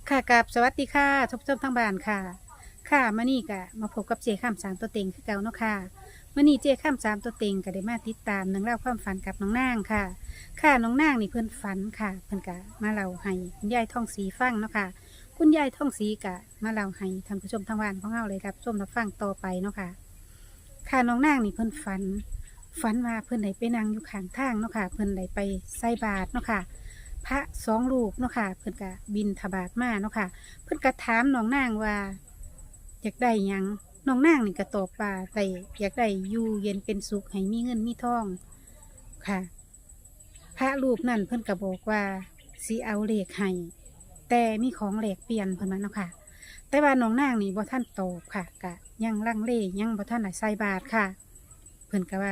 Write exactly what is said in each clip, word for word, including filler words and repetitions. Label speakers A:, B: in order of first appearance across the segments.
A: ค่ะกับสวัสดีค่ะทบทบทั้งบ้านค่ะค่ะมื่อนี้ก็มาพบกับเจข้ามสามตัวเต็งคือเก่าเนาะค่ะมื่อนี้เจข้ามสามตัวเต็งก็ได้มาติดตามหนังเล่าวความฝันกับน้องนางค่ะ ค่ะน้องนางนี่เพิ่นฝันค่ะเพิ่นกะมาเล่าให้คุณยายท่องสีฟังเนาะค่ะคุณยายท่องสีกะมาเล่าให้ท่านผู้ชมทางบ้านของเราเลยรับชมรับฟังต่อไปเนาะค่ะค่ะน้องนางนี่เพิ่นฝันฝันว่าเพิ่นได้ไปนั่งอยู่ข้างทางเนาะค่ะเพิ่นได้ไปใส่บาตรเนาะค่ะพระสองรูปเนาะค่ะเพิ่นกะบินทบาทมาเนาะค่ะ เพิ่นก็ถามน้องนางว่าอยากได้หยังน้องนางนี่ก็ตอบว่าได้อยากได้อยู่เย็นเป็นสุขให้มีเงินมีทองค่ะพระรูปนั่นเพิ่นก็บอกว่าสิเอาเลขให้แต่มีของแลกเปลี่ยนเพิ่นว่าเนาะค่ะแต่ว่าน้องนางนี่บ่ทันตอบค่ะก็ยังลังเลยังบ่ทันได้ใส่บาตรค่ะ เพิ่นก็ว่า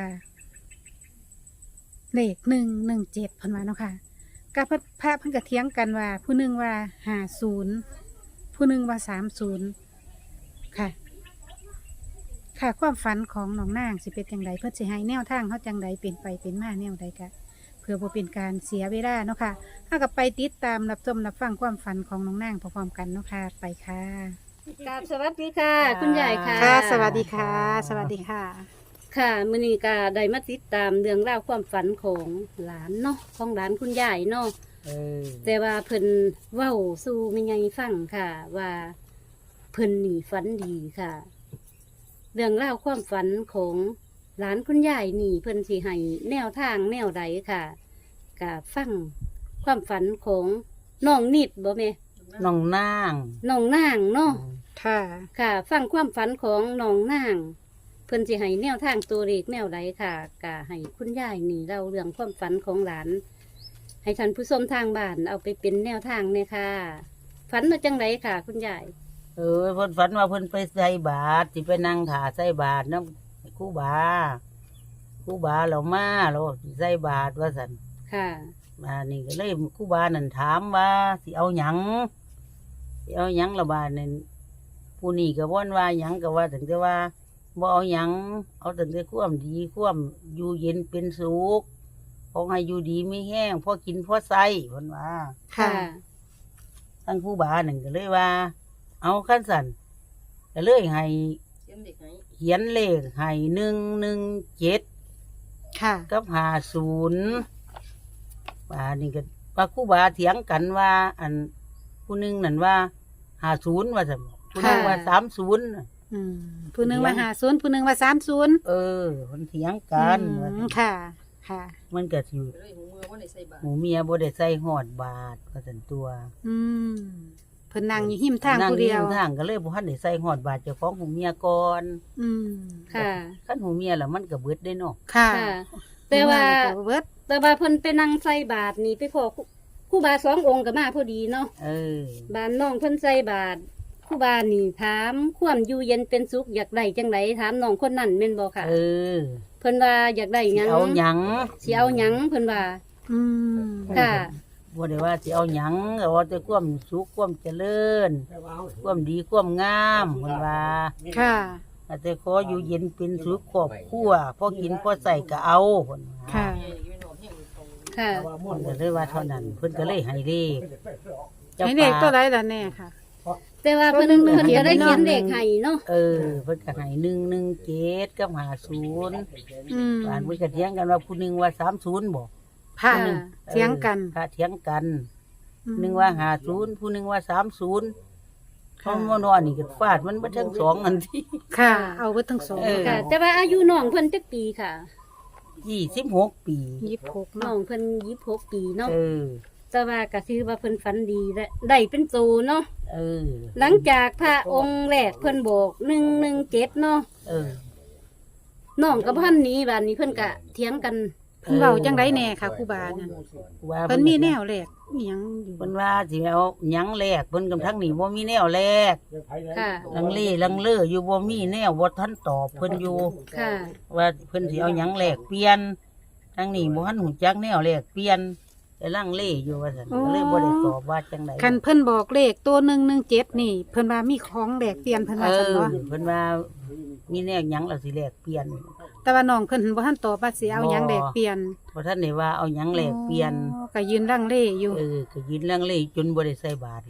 A: เลขหนึ่งหนึ่งเจ็ดเพิ่นว่าเนาะค่ะก็พระพระเพิ่นก็เถียงกันว่า ผู้หนึ่งว่าห้าศูนย์ผู้หนึ่งว่าสามศูนย์ค่ะ ค่ะความฝันของน้องนางสิเป็นจังไดเพื่อสิให้แนวทางเขาจังไดเป็นไปเป็นมาแนวใดกะเพื่อบ่เป็นการเสียเวลาเนาะค่ะถ้ากับไปติดตามรับชมรับฟังความฝันของน้องนางพร้อมๆกันเนาะค่ะไปค่ะ
B: กราบสวัสดีค่ะ คุณยายค่ะ
A: ค่ะ สวัสดีค่ะ สวัสดีค่ะ
B: ค่ะมื้อนี้ก็ได้มาติดตามเรื่องราวความฝันของหลานเนาะของหลานคุณยายเนาะ
C: เออ
B: แต่ว่าเพิ่นเว้าสู่แม่ใหญ่ฟังค่ะ ว่าเพิ่นนี่ฝันดีค่ะ เรื่องราวความฝันของหลานคุณยายนี่เพิ่นสิให้แนวทางแนวใดค่ะก็ฟังความฝันของน้องนิดบ่แม่
C: น้องนาง
B: น้องนางเนาะ
A: ค่ะ
B: ค่ะ ฟังความฝันของน้องนาง เพิ่นสิให้แนวทางตัวเลขแนวใดค่ะก็ให้คุณยายนี่เล่าเรื่องความฝันของหลาน ให้ท่านผู้ชมทางบ้านเอาไปเป็นแนวทางเนี่ยค่ะ ฝันมาจังไดค่ะ คุณยาย
C: เออเพิ่นฝันว่าเพิ่นไปใส่บาตรสิไปนั่งถาใส่บาตรนำครูบาครูบาเรามาเราสิใส่บาตรว่าซั่น
B: ค่ะ
C: มานี่ก็เลยครูบานั่นถามว่าสิเอาหยังสิเอาหยังละบาดนั่นผู้นี้ก็ว่นว่าหยังก็ว่าถึงแต่ว่าบ่เอาหยังเอาแต่แต่ความดีความอยู่เย็นเป็นสุขขอให้อยู่ดีไม่แห้งพอกินพอใส่เพิ่นว่า
A: ค่ะ
C: ทั้งผู้บาหนึ่งก็เลยว่า เอาขั้นสันก็เลยให้เขียนเลขให้หนึ่งหนึ่งเจ็ด
A: ค่ะ
C: กับหาศูนย์บานี่ก็ว่าครู่บาเถียงกันว่า อันผู้หนึ่งนั่นว่าหาศูนย์ว่าสมผู้หนึ่งว่าสามศูนย์
A: อืมผู้หนึ่งว่าห้าศูนย์ผู้หนึ่งว่าสามศูนย์
C: เออมันเถียงกันว่าซั่น
A: ค่ะ ค่ะ
C: มันก็สิหมูเมียบ่ได้ใส่หอดบาทว่าสันตัว
A: อืมเพิ่นนั่งอยู่หิมทางผู้เดียว
C: นั่งอยู่ทางก็เลยบ่ทันได้ใส่หอดบาทเจ้าของหูเมียก่อน
A: อืม
B: ค่ะ
C: คันหูเมียแล้วมันก็เบิดได้เนาะ
A: ค่ะ
B: ค่ะ แต่ว่า
A: เบิด
B: แต่ว่าเพิ่นไปนั่งใส่บาทนี่ไปพอครูครูบาสององค์ก็มาพอดีเนาะ
C: เออ
B: บ้านน้องเพิ่นใส่บาทครูบานี่ถามความอยู่เย็นเป็นสุขอยากได้จังไดถามน้องคนนั้นแม่นบ่ค่ะ
C: เออ
B: เพิ่นว่าอยากได้ห
C: สิ
B: ยัง
C: เอาหยัง
B: สิเอาหยังเพิ่นว่า
A: อืม
B: ค่ะ
C: บ่ได้ว่าสิเอาหยังเอาแต่ความสุขความเจริญความดีความงามเพิ่นว่า
A: ค่ะ
C: แต่ขออยู่เย็นเป็นสุขครอบครัวพอกินพอใส่ก็เอาเพิ่นว่า
A: ค่ะ
B: ค่ะ
C: เพิ่นก็เลยว่าเท่านั้นเพิ่นก็เลยให้เลขจ้า
A: ให้เด็กตัว
C: ป่า
A: ใดล่ะแน่ค่ะ
B: แต่ว่าเพิ่น
A: เพิ่
B: เพิ่
A: น
B: น
A: เขี
B: ก็
A: ยน
B: ได้
A: ไว้
B: เขียน
A: เนาะ
B: เลขให้เนาะ
C: เออเพิ่นก็ให้หนึ่งหนึ่งเจ็ดกับห้าศูนย์
A: อืม
C: บ้านเพิ่นก็เถียงกันว่าผู้หนึงว่าสามศูนย์บ่
A: ค่ะ
B: ค่ะ
A: เถียงกัน
C: พระเถียงกัน
A: อืม
C: หนึ่งว่าห้าศูนย์ผู้หนึงว่าสามศูนย์เพ
A: ค่ะ
C: ราะว่านอนนี่ก็ฟาดมันบ่ทั้งสองอันที่
A: ค่ะ เอาเบิดทั้งสอง
C: เออ
B: ค่ะ แต่ว่าอายุน้องเพิ่นจักปีค่ะ
C: ยี่สิบหกปี
A: ยี่สิบหก
B: น้
A: เนาะ
B: องเพิ่นยี่สิบหกปีเนาะ
C: เออ
B: แต่ว่าก็ถือว่าเพิ่นฝันดีและได้เป็นโตเนาะ
C: เออ
B: หลังจากพระองค์แรกเพิ่นบอกหนึ่งหนึ่งเจ็ดเนาะ
C: เออ
B: น้องกับพันนี้บัดนี้เพิ่นก็เถียงกัน
A: เพิ่นเว้าจังไดแน่ค่ะครูบานั่น
C: ว่า
A: เพิ่นมีแนวแรกอีหยังอยู่
C: เพิ่นว่าสิเอาหยังแลกเพิ่นกับทั้งนี้บ่มีแนวแลก
B: ค่ะ
C: ลังเลลังเลออยู่บ่มีแนวบ่ทันตอบเพิ่นอยู่
B: ค่ะ
C: ว่าเพิ่นสิเอาหยังแลกเปลี่ยนทั้งนี้บ่ทันหูจักแนวแลกเปลี่ยนแต่ลังเลอยู่ว่าซั่นก็เลยบ่ได้ตอบว่าจังได๋
A: คันเพิ่นบอกเลขตัวหนึ่งหนึ่งเจ็ดนี่ เพิ่นว่ามีของแลกเปลี่ยนเพิ่น
C: เอ
A: ว่าซั่น
C: อ
A: เนาะ
C: เพิ่นว่ามีแนวหยังแล้วสิแลกเปลี่ยน
A: แต่ว่าน้องเพิ่นบ่ทันตอบว่าสิเอาหยังแลกเปลี่ยน
C: บ่ทันได้ว่าเอาหยังแลกเปลี่ยน
A: อ๋อก็ยืนลังเลอยู่
C: เออก็ยืนลังเลจนบ่ได้ใส่บาทแล้ว
A: อ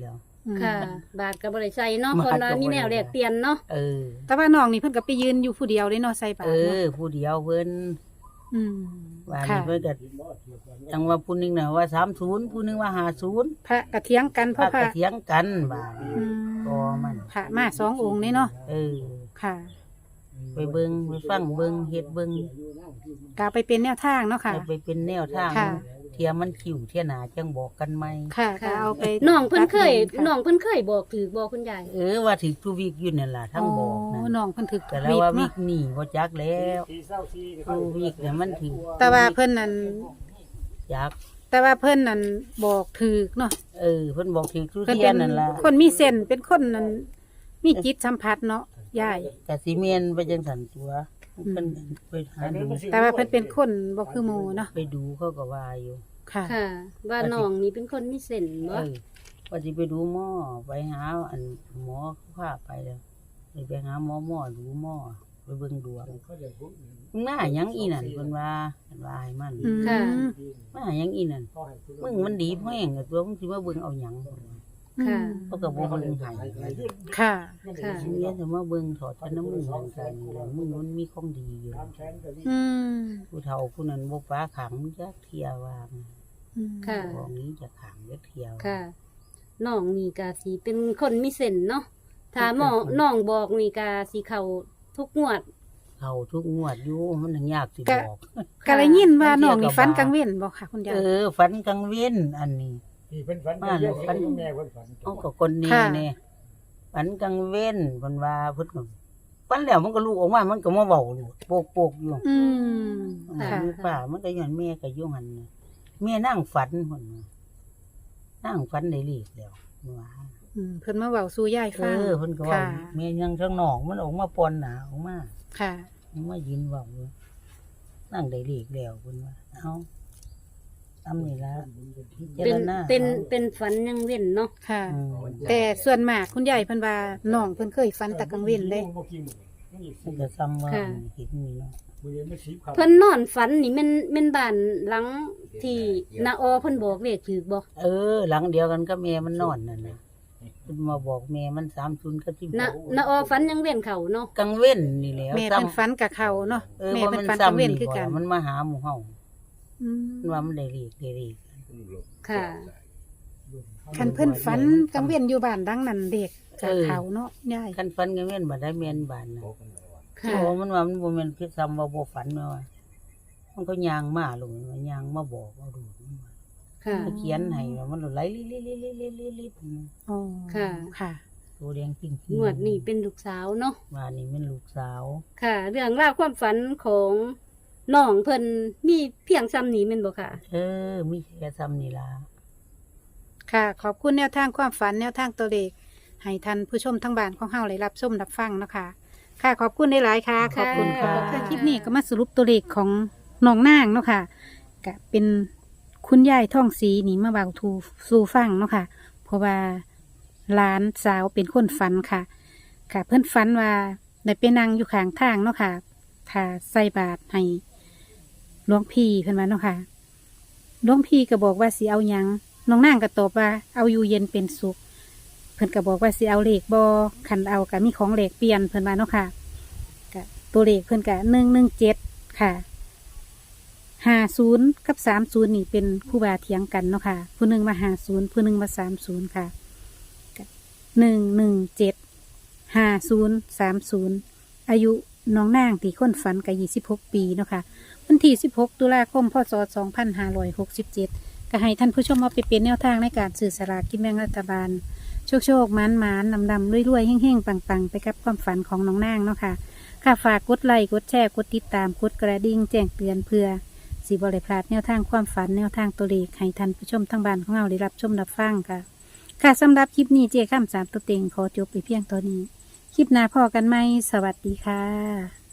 A: อืม
B: ค่ะ บาทก็บ่ได้ใส่เนาะ
C: บาท
B: คนว่า
C: ก็บ่ได้
B: มีแนวแลกเปลี่ยนเนาะ
C: เออ
A: แต่ว่าน้องนี่เพิ่นก็ไปยืนอยู่ผู้เดียวเลยเนาะใส่บา
C: เอ
A: ตรเนาะ
C: อ ผู้เดียวเพิ่น
A: อืม
C: ว่า
A: ค่ะ
C: นี่เพิ่นก็จังว่าผู้หนึงน่ะว่าสามสิบผู้หนึงว่าห้าสิบ
A: พระกะเถียงกันเพ
C: พา
A: ราะพ
C: ก
A: ระ
C: ระเถียงกันว่า
A: อืม
C: ก็มัน
A: พระมาสององค์นี่เนาะ
C: เออ
A: ค่ะ
C: ไปเบิ่งไปฟังเบิ่งเฮ็ดเบิ่ง
A: ก็เอาไปเป็นแนวทางเนาะค่ะ
C: ให้ไปเป็นแนวทาง
A: ค่ะ
C: เทียมันคิวเทียหนาจังบอกกันไหม
A: ค่ะก็เอาไป
B: น้องเพิ่นเคย
A: ตัดลงค่ะ
B: น้องเพิ่นเคยบอกถือบอกคุณยาย
C: เออว่าถือทูวิกอยู่นั่นล่ะทั้งบอกนั่
A: โอ้
C: น
A: น้องเพิ่นถึก
C: แต่แล้วว่าวิ
A: เนาะ
C: กนี่บ่จักแล้วทูวิกเนี่ยมันถือ
A: แต่ว่าเพิ่นนั่น
C: จัก
A: แต่ว่าเพิ่นนั่นบอกถึกเนาะ
C: เออเพิ่นบอกถือทุ
A: เพิ่น
C: เที
A: เป็
C: ย
A: น
C: นนั่นล่ะ
A: คนมีเส้นเป็นคนนั่นมีจิตสัมผัสเนาะยาย
C: กะสิเมียนไปจังสันตัว
A: อืม
C: เพิ่นไปหาดู
A: แต่ว่าเพิ่นเป็นคนบ่คือหมู่เนาะ
C: ไปดูเขาก็ว่าอยู่
A: ค่ะ
B: ค่ะ ว่าน้องนี่เป็นคนมีเส้น
C: เอ
B: บ่
C: อว่าสิไปดูหมอไปหาอันหมอเขาพาไปแล้วไปหาหมอหมอดูหมอไปเบิ่งดวงมึงหน้าหยังอีนั่นเพิ่นว่าเพิ่นว่าให้มัน
A: อืม
B: ค่ะ
C: มาหยังอีนั่นมึงมันดีแม่งอะตัวมึงสิมาเบิ่งเอาหยัง
B: ค่ะ
C: เขาก็บ่เบิ่งให้
A: ค่ะ
B: ค่ะ
C: สิเรียนจะมาเบิ่งถอดแต่น้ำมึงเหมือนกันแล้วมึงมันมีของดีอยู่
A: อืม
C: ผู้เฒ่าผู้นั้นบ่ฟ้าขังจักเที่ยวว่า
A: อืม
B: ค่ะ
C: ของนี้จะขังจักเที่ยว
B: ค่ะ น้องนี่ก็สิเป็นคนมีเส้นเนาะ ถ้าหมอน้องบอกนี่ก็สิเข้าทุกงวด
C: เข้าทุกงวดอยู่มันถึงยากสิบอก
A: ก็ได้ยินว่าน้องนี่ฝันกลางเว้นบ่ค่ะคุณยา
C: เอย อฝันกลางเว้นอันนี้
D: ที่เพิ่นฝัน
C: มาแล้วฝัน
D: แม่เพิ่นฝัน
C: เอากับคนนี้
A: ค่ะ
C: แน่ฝันกลางเว้นเพิ่นว่าเพิ่นก็ฝันแล้วมันก็ลูกออกมามันก็มาเว้าลูกโปกๆอยู่
A: อืม
C: ค่ะ
A: ค่ะ
C: ป่ามันก็ย้อนแม่ก็อยู่หั่นน่ะแม่นั่งฝันเพิ่นว่านั่งฝันได้ลีกแล้วว่า
A: อืมเพิ่นมาเว้าสู่ยาย
C: เอ
A: ฟัง
C: อเพิ่นก็เว่า
A: ค่ะ
C: แม่ยังข้างนอกมันออกมาปอนหนาออกมา
A: ค่ะ
C: มันมายินเว้าอยู่นั่งได้ลีกแล้วเพิ่นว่าเอ้าทำนี่ละพิ
B: เป็
C: จาน รณา
B: เป็น
C: อา
B: เป็นฝันยังเว้นเนาะ
A: ค่ะ
C: อืม
A: แต่ส่วนมากคุณยายเพิ่นว่าน้องเพิ่นเคยฝันแต่กลางเว้นเลย
D: บ่กี่มื้อมันอีก
C: มันก็ซ้ำว่า
B: ค่ะ
C: เห็นนี่เนาะ
D: มื้อนี้มันสิบครับ
B: เพิ่นนอนฝันนี่แม่นแม่นบ้านหลังที่นาออเพิ่นบอกเลขถูกบ่
C: เออ หลังเดียวกันก็แม่มันนอนนั่นน่ะเพิ่นมาบอกแม่มันสามศูนย์ก็ที่
B: นานาออฝันยังเว้นเขาเนาะ
C: กลางเว้นนี่แหล้ว
A: แม่เพิ่นฝันกับเขาเนาะ
C: เออ
A: แม่
C: ว่า
A: เพิ่
C: มัน น
A: ฝันกลาง
C: ซ้ำ
A: เว้น
C: นี่
A: คือ
C: บ่
A: กัน
C: มันมาหาหมู่เฮา
A: อืม
C: มันว่ามันได้ลีกได้ลีก
B: ค่ะ
A: คันเพิ่นฝันกลางเว้นอยู่บ้านดังนั้นเด็กกับ
C: เออ
A: เขาเนาะยาย
C: คันฝันกลางเว้นบ่ได้แม่นบานน่ะ
B: ค่ะ
C: โอ้มันว่ามันบ่แม่นคือซ้ำว่าบ่ฝันแม่ว่ามันก็ย่างมาลงมันย่างมาบอกเอาดูมันว่า
B: ค่ะ
C: มันเขียนให้ว่ามันไหลลิๆๆๆๆ
A: อ๋อ
B: ค่ะ
A: ค่ะ
C: ๆตัวแดงจริงๆ
B: งวดนี้เป็นลูกสาวเนาะ
C: ว่านี่มันลูกสาว
B: ค่ะ เรื่องราวความฝันของน้องเพิ่นมีเพียงซ้ำนี้แม่นบ่ค่ะ
C: เออ มีแค่ซ้ำนี่ล่ะ
A: ค่ะ ขอบคุณแนวทางความฝันแนวทางตัวเลขให้ท่านผู้ชมทั้งบ้านของเฮาได้รับชมรับฟังเนาะค่ะ ค่ะ ขอบคุณหลายๆค่ะ ขอบคุณค่ะ
C: ค่ะ
A: ค่ะคลิปนี้ก็มาสรุปตัวเลขของน้องนางเนาะค่ะก็เป็นคุณยายท่องสีนี่มาเบาทูสู่ฟังเนาะค่ะ เพราะว่าหลานสาวเป็นคนฝันค่ะ ค่ะ เพื่อนฝันว่าได้ไปนั่งอยู่ข้างทางเนาะค่ะถ้าใส่บาตรให้หลวงพี่เพื่อนว่าเนาะค่ะหลวงพี่ก็บอกว่าสิเอาหยังน้องนางก็ตอบว่าเอาอยู่เย็นเป็นสุข เพื่อนก็บอกว่าสิเอาเลขบอขันเอาก็มีของเลขเปลี่ยนเพื่อนมาเนาะค่ะก็ตัวเลขเพื่อนก็หนึ่งหนึ่งเจ็ดค่ะห้าศูนย์กับสามศูนย์นี่เป็นคู่บาเถียงกันเนาะค่ะผู้หนึ่งมาห้าศูนย์ผู้หนึ่งมาสามศูนย์ค่ะหนึ่งหนึ่งเจ็ดห้าศูนย์สามศูนย์อายุน้องนางที่ค้นฝันกับยี่สิบหกปีเนาะค่ะวันที่สิบหกตุลาคมพศสองพันห้าร้อยหกสิบเจ็ดก็ให้ท่านผู้ชมเอาไปเป็นแนวทางในการสื่อสลากกินแบ่งรัฐบาล โชคโชคมันมันนำดำรวยๆเฮ่งๆ ปังๆ ไปกับความฝันของน้องนางเนาะค่ะ ค่ะฝากกดไลค์กดแชร์กดติดตามกดกระดิ่งแจ้งเตือนเพื่อสีบริพลาดแนวทางความฝันแนวทางตัวเลขให้ท่านผู้ชมทั้งบ้านของเราได้รับชมรับฟังค่ะ ค่ะสำหรับคลิปนี้เจ้าข้ามสามตัวเต็งขอจบไปเพียงตัวนี้ คลิปหน้าพอกันไหมสวัสดีค่ะ